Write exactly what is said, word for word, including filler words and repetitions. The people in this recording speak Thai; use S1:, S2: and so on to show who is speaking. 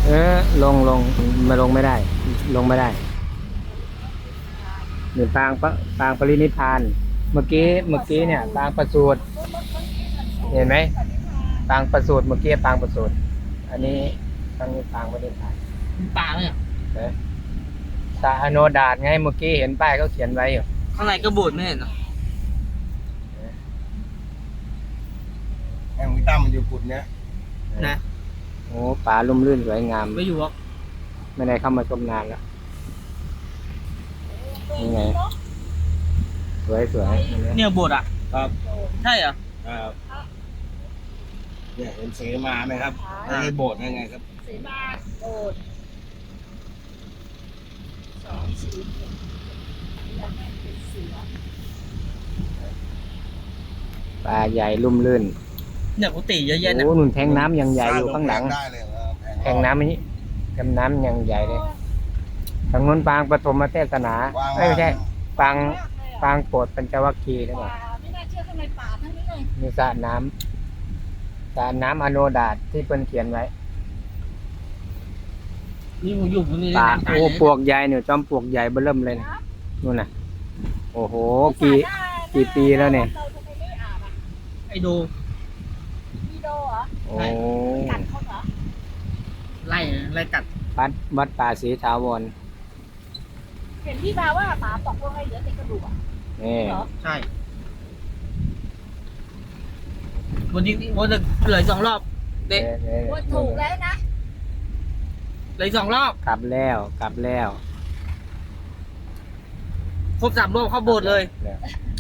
S1: เออลงลงมาลงไม่ได้ ลงไม่ได้หรือปางปะปางปรินิพพานเมื่อกี้เมื่อกี้เนี่ยปางประสูติเห็นไหมปางประสูติเมื่อกี้ปางประสูติอันนี้ปางปางปรินิพพาน
S2: ป่าเนี่ย
S1: เอ๊ะสาโนดาตไงเมื่อกี้เห็นป้ายเขาเขียนไว้อยู่
S2: ข้างในก็โบสถ์ไม่เห็นเหรอ
S3: แห่งวิต้ามันอยู่กุดเนี้ย
S2: นะ
S1: โอ้ป่าลุ่มลื่นสวยงาม
S2: ไม่อยู่หรอก
S1: ไม่ได้เข้ามาชมนานแล้วนี่ไงสวยสวย
S2: เนี่ยโบสถ์อ่ะ
S3: ครับ
S2: ใช่เหรอ
S3: ครับเนี่ยเห็นเสมาไหมครับไม่ใช่โบสถ์ได้ไงครับ
S4: สีมาโอดสองสี่แล้วแม่เป็นเสือ
S1: ป่าใหญ่ลุ่มลื่น
S2: เนี่ยกุฏิเยอะแยะเนี่ย
S1: โอ้หนุนแทงน้ำยังใหญ่อยู่ข้างหลัง
S3: ได้เลยเหรอ
S1: แทงน้ำนี้แทงน้ำยังใหญ่เลยทางนู้นปางปฐมเทศนาไม่ใช่ปางปางโปรดปัญจวัคคีย์หรือเป
S4: ป่า
S1: ล่า
S4: ไม่น่าเชื่อข้างในป่าทั้งนี้เลย
S1: มีสระน้ำสระน้ำอโนดาตที่เพิ่นเขียนไว้
S2: นี่ผมอยู่ตรงนี้
S1: ป่า
S2: ได้
S1: โอ้
S2: ไหม
S1: ปลวกใหญ่เนี่ยจอมปลวกใหญ่เบ้อเริ่มเลยนะนู่นน่ะ โอ้โหกี่ กี่ปีแล้วเนี่ย
S4: เราทำไมไม่อาบอ่ะ
S2: ไอโด
S4: มีโดเหรอ
S1: โอ้
S4: กัดเขาเหรอ
S2: ไล่ไล่กัด
S1: วัดวัดป่าศรีถาวร
S4: เห็นที่มาว่าหมาตกลงไปเหลือแต่กระดูกอ่ะ
S1: นี่
S4: เหรอ
S2: ใช่วันนี้วันจะเหลือสองรอบเด็ก
S1: นี่ๆ
S4: ว่าถูกแล้วนะ
S2: เหลือสองรอบ
S1: กลับแล้วกลับแล้ว
S2: ครบสามรอบเข้าโบสถ์เลย
S1: แล้ว